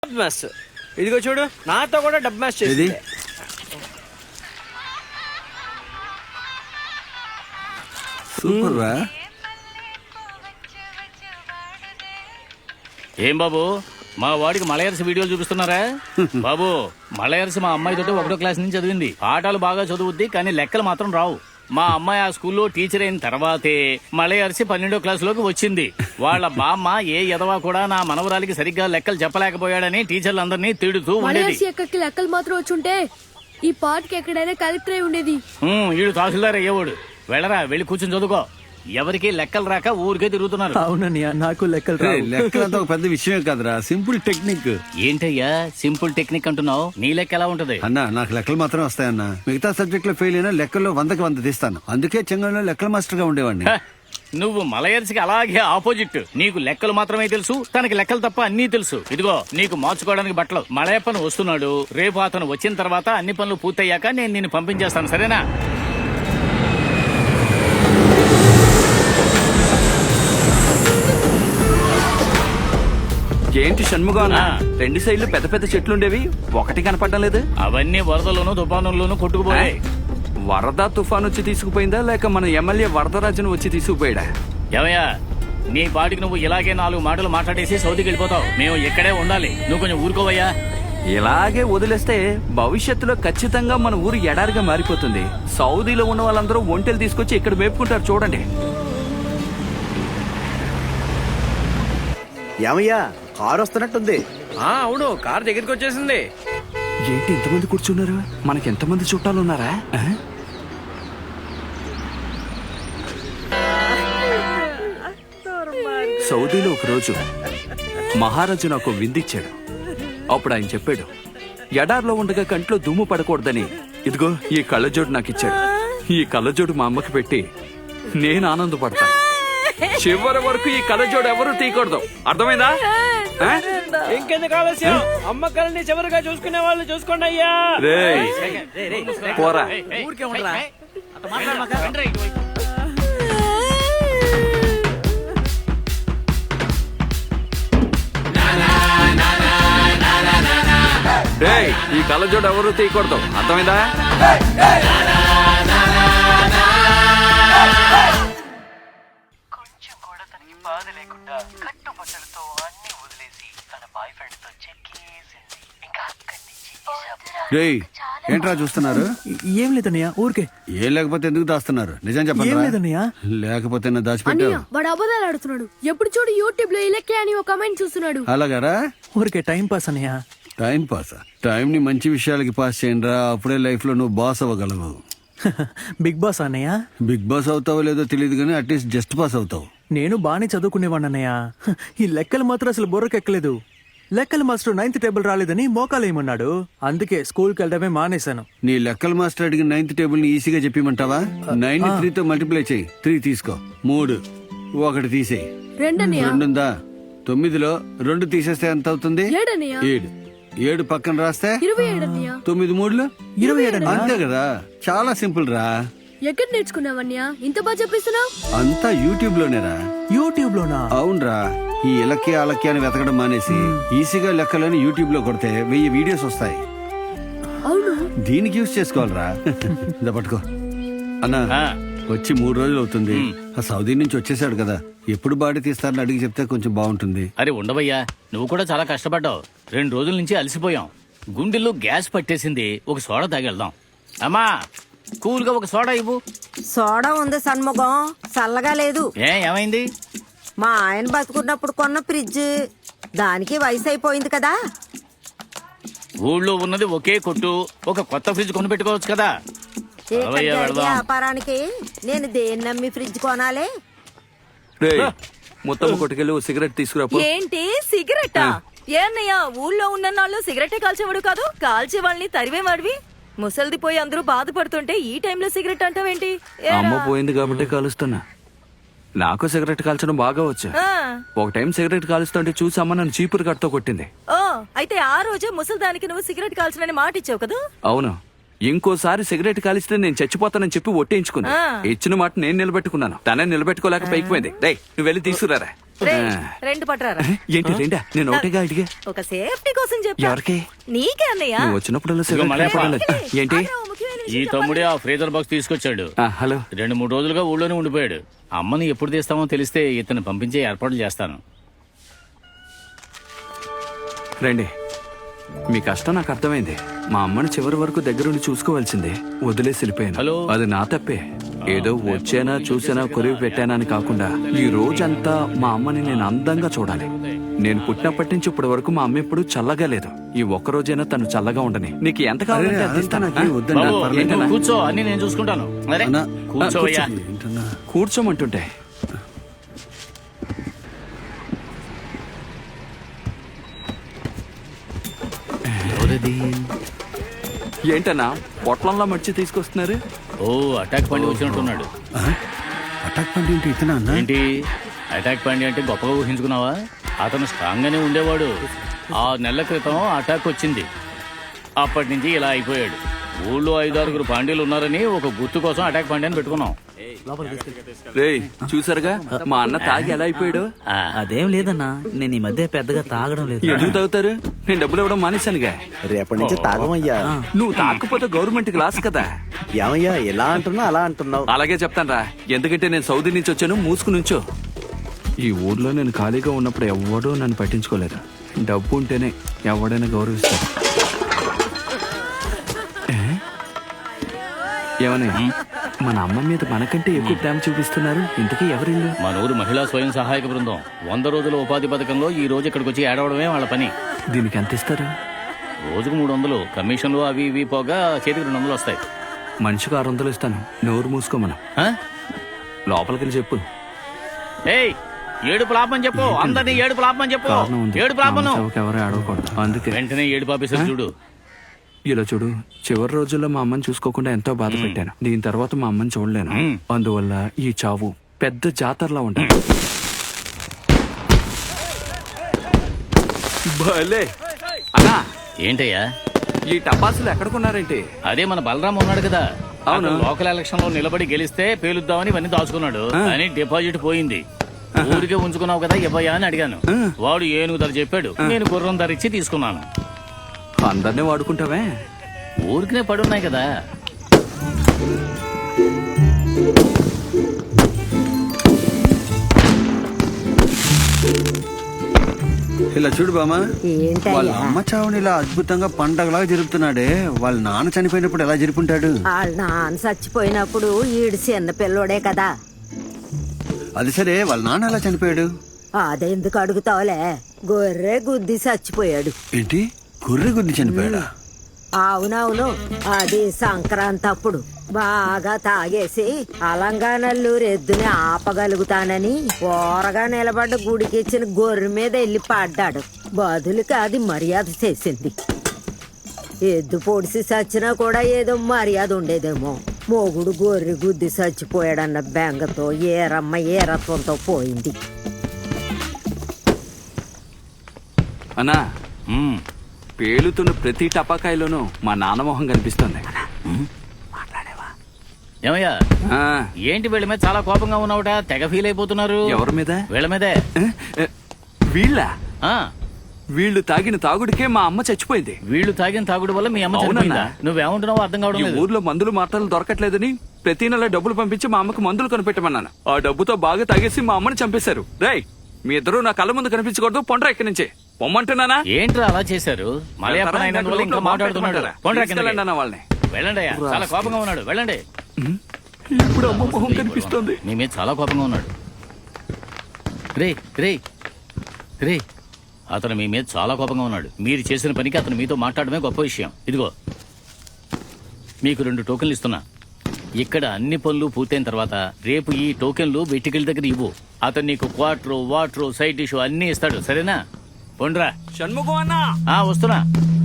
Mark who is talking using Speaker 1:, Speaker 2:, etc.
Speaker 1: Maths ఇదిగో చూడు, నాతో కూడా డబ్ మ్యాథ్స్ చేసి
Speaker 2: సూపర్ రా.
Speaker 3: ఏం బాబు మా వాడికి మలయర్స్ వీడియోలు చూపిస్తున్నారా? బాబు మలయర్స్ మా అమ్మాయితో 1వ క్లాస్ నుంచి చదివింది. పాఠాలు బాగా చదువుద్ది కానీ లెక్కలు మాత్రం రావు. మా అమ్మాయి ఆ స్కూల్లో టీచర్ అయిన తర్వాతే మలయర్సి 12వ క్లాసులోకి వచ్చింది. వాళ్ళ బామ్మ ఏ ఎదవా కూడా నా మనవరాలికి సరిగ్గా లెక్కలు చెప్పలేకపోయాడని టీచర్లందరినీ తిడుతూ ఉండేది.
Speaker 4: లెక్కలు మాత్రం వచ్చుంటే ఈ పార్క్ ఎక్కడైనా కలెక్టర్ అయి ఉండేది.
Speaker 3: వీడు తహసీల్దార్ అయ్యేవాడు. వెళ్ళరా, వెళ్ళి కూర్చొని చదువుకో. ఎవరికి లెక్కలు రాక ఊరికే తిరుగుతున్నారు.
Speaker 5: అవునన్నయ్య, నాకు లెక్కలు రావు.
Speaker 2: లెక్కలంతా ఒక పెద్ద విషయమే కదరా, సింపుల్ టెక్నిక్.
Speaker 3: ఏంటయ్యా సింపుల్ టెక్నిక్ అంటున్నావు? నీ లెక్క ఎలా ఉంటది?
Speaker 2: అన్నా నాకు లెక్కలు మాత్రం వస్తాయన్నా. మిగతా సబ్జెక్ట్ లో ఫెయిల్ అయినా లెక్కల్లో 100కి 100 తీస్తాను. అందుకే చెంగంలో లెక్కల మాస్టర్ గా ఉండేవాడిని.
Speaker 3: నువ్వు మలయర్స్కి అలాగే ఆపోజిట్. నీకు లెక్కలు మాత్రమే తెలుసు, తనకి లెక్కలు తప్ప అన్నీ తెలుసు. ఇదిగో నీకు మార్చుకోవడానికి బట్టలు. మలయప్పను వస్తున్నాడు. రేపు అతను వచ్చిన తర్వాత అన్ని పనులు పూర్తయ్యాక నేను నిన్ను పంపించేస్తాను, సరేనా?
Speaker 6: ఏంటి షణ్ముఖం, 2 సైడ్లు పెద్ద పెద్ద చెట్లు ఉండేవి, ఒకటి కనపడడం లేదు.
Speaker 3: అవన్నీ వరదలోను తుఫానుల్లోనూ కొట్టుకుపోయాయి.
Speaker 6: వరద తుఫాను వచ్చి తీసుకుపోయిందా లేక మన ఎమ్మెల్యే వరదరాజును వచ్చి తీసుకుపోయాడా?
Speaker 3: ఏమయ్యా, నీ పాటికి నువ్వు ఇలాగే 4 మాటలు మాట్లాడేసి సౌదీకి వెళ్ళిపోతావు. మేము ఇక్కడే ఉండాలి. నువ్వు కొంచెం ఊరుకోవయ్యా.
Speaker 6: ఇలాగే వదిలేస్తే భవిష్యత్తులో ఖచ్చితంగా మన ఊరు ఎడారిగా మారిపోతుంది. సౌదీలో ఉన్న వాళ్ళందరూ ఒంటెలు తీసుకొచ్చి ఇక్కడ మేపుకుంటారు, చూడండి.
Speaker 1: ఏమయ్యా, కారు వస్తున్నట్టుంది. అవును, కారు దగ్గరికి వచ్చేసింది.
Speaker 6: ఏంటి ఇంతమంది కూర్చున్నారు? మనకి ఎంతమంది చుట్టాలు ఉన్నారా? సౌదీలో ఒక రోజు మహారాజు నాకు విందిచ్చాడు. అప్పుడు ఆయన చెప్పాడు, ఎడార్లో ఉండగా కంట్లో దుమ్ము పడకూడదని ఇదిగో ఈ కళ్ళజోడు నాకు ఇచ్చాడు. ఈ కళ్ళజోడు మా అమ్మకి పెట్టి నేను ఆనందపడతాను. చివరి వరకు ఈ కళ్ళజోడు ఎవరు తీయకూడదు, అర్థమైందా?
Speaker 1: ఇంకెందుకు ఆలస్యం? అమ్మ కళ్ళని చివరిగా చూసుకునే వాళ్ళు చూసుకోండి అయ్యా.
Speaker 6: పోరా. ఈ కళ్ళజోడు ఎవరు తీయకూడదు, అర్థమైందా?
Speaker 7: కొంచెం కూడా తనకి బాధ లేకుండా కట్టుబట్టలతో అన్ని వదిలేసి తన బాయ్ ఫ్రెండ్ తో చెక్కేసింది. ఇంకా అక్కడి నుంచి
Speaker 2: ఏంట్రా చూస్తున్నారు?
Speaker 5: ఏం లేదన్నయ్య, ఊరికే.
Speaker 2: ఏం లేకపోతే ఎందుకు దాస్తున్నారు? నిజం
Speaker 5: ఏం
Speaker 2: చెప్పండి.
Speaker 5: లేదన్నయ్య.
Speaker 2: లేకపోతే దాచిపెట్టావు.
Speaker 4: వాడు అబద్ధాలు ఆడుతున్నాడు. ఎప్పుడు చూడు యూట్యూబ్ లో ఇలకే అని ఒక కమెంట్ చూస్తున్నాడు.
Speaker 2: అలాగారా?
Speaker 5: ఊరికే టైం పాస్ అన్నయ్య.
Speaker 2: Time pass? టైం ని మంచి విషయాలకి పాస్ చేయండి రా, అప్పుడే లైఫ్ లో నువ్వు బాస్ అవ్వగలవు.
Speaker 5: బిగ్ బాస్ అన్నయ్య.
Speaker 2: బిగ్ బాస్ అవుతావో లేదో తెలియదు కానీ అట్లీస్ట్ జస్ట్ పాస్ అవుతావు.
Speaker 5: నేను బానే చదువుకునేవాడిని అన్నయ్య. ఈ లెక్కలు మాత్రం అసలు బుర్రకెక్కలేదు. లెక్కల మాస్టర్ 9th టేబుల్ రాలేదని మోకాలేయమన్నాడు. అందుకే స్కూల్కి వెళ్ళడమే మానేశాను.
Speaker 2: నీ లెక్కల మాస్టర్ అడిగిన 9th టేబుల్ ని ఈజీగా చెప్పిమంటావా? 9 ని 3 తో మల్టిప్లై చేయి. 3 తీసుకో. 3 1 తీసేయి. 2 ఉందా? 9లో 2 తీసేస్తే ఎంత అవుతుంది? 7. 7 పక్కన రాస్తే 9 3
Speaker 5: 27.
Speaker 2: అంతే కదా, చాలా సింపుల్ రా.
Speaker 4: ఎక్కడ నేర్చుకున్నావన్యా ఇంత బాగా చెప్పిస్తున్నావు?
Speaker 2: అంతా యూట్యూబ్ లోనేరా.
Speaker 5: యూట్యూబ్ లోనా?
Speaker 2: అవునరా. ఈ ఇలక్కి అలక్కి అని వెతకడం మానేసి ఈజీగా లెక్కలని యూట్యూబ్ లో కొడితే 1000 వీడియోస్ వస్తాయి.
Speaker 4: అవును,
Speaker 2: దీనికి యూజ్ చేసుకోవాలరా. ఇదా పట్టుకో అన్నా. వచ్చి 3 రోజులు అవుతుంది. ఆ సౌదీ నుంచి వచ్చేసాడు కదా, ఎప్పుడు బాడీ తీస్తారని అడిగి చెప్తే కొంచెం బాగుంటుంది.
Speaker 3: అరే ఉండవయ్యా, నువ్వు కూడా చాలా కష్టపడ్డావు. 2 రోజుల నుంచి అలసిపోయాం. గుండెల్లో గ్యాస్ పట్టేసింది. ఒక సోడా తాగెళ్దాం. అమ్మా, కూల్ గా ఒక సోడా ఇవ్వు.
Speaker 8: సోడా ఉంది సన్ముఖం, చల్లగా లేదు.
Speaker 3: ఏమైంది?
Speaker 8: మా ఆయన బతుకున్నప్పుడు కొన్న ఫ్రిడ్జ్, దానికి వయసు అయిపోయింది కదా.
Speaker 3: ఊళ్ళో ఉన్నది ఒకే కొట్టు, ఒక కొత్త ఫ్రిడ్జ్ కొని పెట్టుకోవచ్చు కదా.
Speaker 8: వ్యాపారానికి నేను దేన్ని నమ్మి ఫ్రిడ్జ్ కొనాలి?
Speaker 6: మొత్తం కొట్టుకెళ్ళి సిగరెట్ తీసుకురా.
Speaker 9: ఏంటి సిగరెట్టా? ఏన్నయ్యా, ఊళ్ళో ఉన్న నాళ్ళు సిగరెట్టే కాల్చేవాడు కాదు, కాల్చే వాళ్ళని తరివేవాడివి. ముసల్ది పోయి అందరూ బాధపడుతుంటే ఈ టైంలో సిగరెట్ అంటావేంటి?
Speaker 6: అమ్మ పోయింది కాబట్టి కాలుస్తున్నా. నాకు సిగరెట్ కాల్చడం బాగా వచ్చు. ఒక టైం సిగరెట్ కాలుస్తుంటే చూసి అమ్మ నన్ను చీపురు కట్టతో కొట్టింది.
Speaker 9: ఓ, అయితే ఆ రోజే ముసల్దానికి నువ్వు సిగరెట్ కాల్చనని మాట ఇచ్చావు కదా.
Speaker 6: అవును, ఇంకోసారి సిగరెట్ కాలిస్తే నేను చచ్చిపోతానని చెప్పి ఒట్టేయించుకుంది. ఇచ్చిన మాట నేను నిలబెట్టుకున్నాను, తనే నిలబెట్టుకోలేక పైకి పోయింది. నువ్వు వెళ్ళి తీసుకురారా.
Speaker 9: రేయ్, రెండు పట్టరారా.
Speaker 6: ఏంటి రెండా? నేను ఒకటిగా అడిగా.
Speaker 9: ఒక సేఫ్టీ కోసం చెప్పా.
Speaker 6: ఎవరికి?
Speaker 9: నీకే అన్నయ్య.
Speaker 6: నువ్వు వచ్చినప్పుడల్లా
Speaker 3: ఇదిగో మలయప్ప.
Speaker 6: ఏంటి?
Speaker 9: అదే ఓ ముఖ్యమైన
Speaker 3: ఈ
Speaker 9: విషయం
Speaker 3: తమ్ముడే ఆ ఫ్రీజర్ బాక్స్ తీసుకొచ్చాడు.
Speaker 6: హలో.
Speaker 3: 2-3 రోజులుగా ఊళ్ళోనే ఉండిపోయాడు. అమ్మని ఎప్పుడు తీస్తామో తెలిస్తే ఇతను పంపించే ఏర్పాట్లు చేస్తాను.
Speaker 6: రండి. మీ కష్టం నాకు అర్థమైంది. మా అమ్మని చివరి వరకు దగ్గరుండి చూసుకోవాల్సిందే. వదిలేసి వెళ్ళిపోయాను.
Speaker 3: హలో.
Speaker 6: అది నా తప్పే. ఏదో వచ్చానా చూసానా కొరివి పెట్టానా అని కాకుండా ఈ రోజంతా మా అమ్మని నేను అందంగా చూడాలి. నేను పుట్టినప్పటి నుంచి ఇప్పటి వరకు మా అమ్మ ఎప్పుడు చల్లగా లేదు. ఈ ఒక్క రోజైనా తను చల్లగా ఉండని. నీకు ఎంత కావాలంటే
Speaker 2: అరే,
Speaker 6: అందిస్తాను.
Speaker 2: అదంతా నాకేం వద్దండి,
Speaker 3: బాబు,
Speaker 2: నాకు పర్లేదు.
Speaker 3: నువ్వు కూర్చో, అన్ని నేను చూసుకుంటాను. అరే,
Speaker 2: అన్నా,
Speaker 3: కూర్చోయ్యా.
Speaker 2: ఏంటన్నా?
Speaker 6: కూర్చోమంటుంటే ఏంటన్నా పొట్లంలో మర్చి తీసుకొస్తున్నారు?
Speaker 3: ఓ, అటాక్ పండి వచ్చినట్టున్నాడు.
Speaker 2: అటాక్ పండి ఏంటి ఇతనా అన్న?
Speaker 3: ఏంటి అటాక్ పండి అంటే గొప్పగా ఊహించుకున్నావా? అతను స్ట్రాంగ్ గానే ఉండేవాడు. 6 నెలల క్రితం అటాక్ వచ్చింది. అప్పటి నుంచి ఇలా అయిపోయాడు. ఊళ్ళో 5-6 పాండ్యులు ఉన్నారని ఒక గుర్తు కోసం అటాక్ పాండి అని పెట్టుకున్నాం.
Speaker 6: రేయ్, చూసారుగా మా అన్న తాగి ఎలా అయిపోయాడు?
Speaker 10: అదేం లేదన్నా, నేను ఈ మధ్య పెద్దగా తాగడం లేదు.
Speaker 6: ఎందుకు తాగుతారు? నేను డబ్బులు ఇవ్వడం మానేశానుగా.
Speaker 10: రేపటి నుంచి తాగమయ్యా.
Speaker 6: నువ్వు తాకపోతే గవర్నమెంట్ క్లాస్ కదా.
Speaker 10: ఏమయ్యా ఎలా అంటున్నావు అలా అంటున్నావు?
Speaker 6: అలాగే చెప్తాను. ఎందుకంటే నేను సౌదీ నుంచి వచ్చాను. మూసుకు నుంచో. ఈ ఊర్లో నేను ఖాళీగా ఉన్నప్పుడు ఎవడూ నన్ను పట్టించుకోలేదు. డబ్బు ఉంటేనే ఎవడైనా గౌరవిస్తాడు. ఏమన్నా మన అమ్మ మీద మనకంటే ఎక్కువ ప్రేమ చూపిస్తున్నారు. ఇంతకీ ఎవరిల్లు?
Speaker 3: మన ఊరు మహిళా స్వయం సహాయక బృందం 100 రోజుల ఉపాధి పథకంలో ఈ రోజు ఇక్కడికి వచ్చి ఏడవడమే వాళ్ళ పని.
Speaker 6: దీనికి ఎంత ఇస్తారు?
Speaker 3: రోజుకు 300. కమిషన్లు అవి ఇవి పోగా చేతికి 200 వస్తాయి.
Speaker 6: మనిషికి 600 ఇస్తాను. నోరు మూసుకోమను.
Speaker 3: ఆ?
Speaker 6: లోపలికి చెప్పు.
Speaker 3: ఏయ్, ఏడుపు లాభమని చెప్పు. అందరినీ ఏడుపు లాభమని చెప్పు.
Speaker 6: కారణం ఉంది.
Speaker 3: ఏడుపు లాభను.
Speaker 6: ఎవరు ఆడకూడదు. అందుకే
Speaker 3: వెంటనే ఏడుపు ఆఫీసర్ చూడు.
Speaker 6: ఇలా చూడు, చివరి రోజుల్లో మా అమ్మని చూసుకోకుండా ఎంతో బాధ పెట్టాను. దీని తర్వాత మా అమ్మని చూడలేను. అందువల్ల ఈ చావు పెద్ద జాతరలా ఉంటాను. భలే అన్నా,
Speaker 3: ఏంటయ్యా
Speaker 6: ఈ టపాసులు ఎక్కడికున్నారేంటి?
Speaker 3: అదే మన బలరాం ఉన్నాడు కదా.
Speaker 6: అవును.
Speaker 3: అతను లోకల్ ఎలక్షన్ లో నిలబడి గెలిస్తే పేలుద్దామని ఇవన్నీ దాచుకున్నాడు. అని డిపాజిట్ పోయింది. ఊరికే ఉంచుకున్నావు కదా ఇవ్వయా అని అడిగాను. వాడు ఏనుగు ధర చెప్పాడు. నేను గుర్రం ధర ఇచ్చి తీసుకున్నాను.
Speaker 6: అందరినీ వాడుకుంటావే.
Speaker 3: ఊరికినే పడున్నాయి కదా.
Speaker 2: ఇలా చూడు బామా, వాళ్ళ
Speaker 8: ఏంటయ్యా
Speaker 2: అమ్మ చావుని ఇలా అద్భుతంగా పండగలాగా జరుపుతున్నాడే. వాళ్ళ నాన్న చనిపోయినప్పుడు ఎలా జరుపుంటాడు?
Speaker 8: వాళ్ళ నాన్న చచ్చిపోయినప్పుడు ఈడు చిన్న పిల్లోడే కదా.
Speaker 2: అది సరే, వాళ్ళ నాన్న ఎలా చనిపోయాడు?
Speaker 8: అదెందుకు అడుగుతావులే, గొర్రె గుద్ది చచ్చిపోయాడు.
Speaker 2: ఏంటి, గొర్రె గుద్ది చనిపోయాడా?
Speaker 8: అవునవును, అది సంక్రాంతి అప్పుడు బాగా తాగేసి అలంగానల్లూరు ఎద్దుని ఆపగలుగుతానని ఓరగా నిలబడ్డ గుడికి ఇచ్చిన గొర్రె మీద వెళ్ళి పడ్డాడు. బదులుకి అది మర్యాద చేసింది. ఎద్దు పొడిసి చచ్చినా కూడా ఏదో మర్యాద ఉండేదేమో. మొగుడు గొర్రె గుద్ది చచ్చిపోయాడన్న బెంగతో ఏరమ్మ ఏరత్వంతో పోయింది.
Speaker 6: అన్నా,
Speaker 3: ఉమ్,
Speaker 6: పేలుతున్న ప్రతి టపాకాయలోనూ మా నాన్న మొహం కనిపిస్తుంది.
Speaker 3: ఏమయ్యా,
Speaker 6: ఆ,
Speaker 3: ఏంటి వీళ్ళ మీద చాలా కోపంగా ఉన్నావుట? తెగ ఫీల్ అయిపోతున్నారు.
Speaker 6: ఎవరి మీద?
Speaker 3: వీళ్ళ మీదే.
Speaker 6: వీళ్ళ
Speaker 3: ఆ,
Speaker 6: వీళ్ళు తాగిన తాగుడికే మా అమ్మ చచ్చిపోయింది.
Speaker 3: వీళ్ళు తాగిన తాగుడు వల్ల మీ అమ్మ
Speaker 6: అవునన్నా.
Speaker 3: చనిపోయిందా? నువ్వేమంటున్నావో అర్థం కావడం
Speaker 6: ఈ
Speaker 3: లేదు.
Speaker 6: ఊర్లో మందులు మాత్రలు దొరకట్లేదని ప్రతి నెల డబ్బులు పంపించి మా అమ్మకు మందులు కొనిపెట్టమన్నాను. ఆ డబ్బుతో బాగా తాగేసి మా అమ్మని చంపేశారు. రేయ్, మీ ఇద్దరు నా కళ్ళ ముందు కనిపించకూడదు. పొండ్రా ఇక్కడి నుంచి. పొమ్మంటున్నానా?
Speaker 3: ఏంట్రా అలా చేశారు? మలయప్ప నాయన వల్ల ఇంకా మాట్లాడుతున్నాడు. పోండ్రా కిందకి.
Speaker 6: తీసుకెళ్ళండి అన్న వాళ్ళని.
Speaker 3: వెళ్ళండి అయ్యా, చాలా కోపంగా ఉన్నాడు. వెళ్ళండి.
Speaker 6: ఇప్పుడు అమ్మ మొహం కనిపిస్తుంది.
Speaker 3: మీ మీద చాలా కోపంగా ఉన్నాడు. రే రే రే, అతను మీ మీద చాలా కోపంగా ఉన్నాడు. మీరు చేసిన పనికి అతను మీతో మాట్లాడమే గొప్ప విషయం. ఇదిగో మీకు 2 టోకెన్లు ఇస్తున్నా. ఇక్కడ అన్ని పనులు పూర్తయిన తర్వాత రేపు ఈ టోకెన్లు వెట్టికల దగ్గర ఇవ్వు. అతను నీకు క్వార్టర్, వాటర్, సైడ్ డిష్ అన్ని ఇస్తాడు. సరేనా? పొండ్రా.
Speaker 6: షణ్ముఖం అన్నా,
Speaker 3: వస్తున్నా.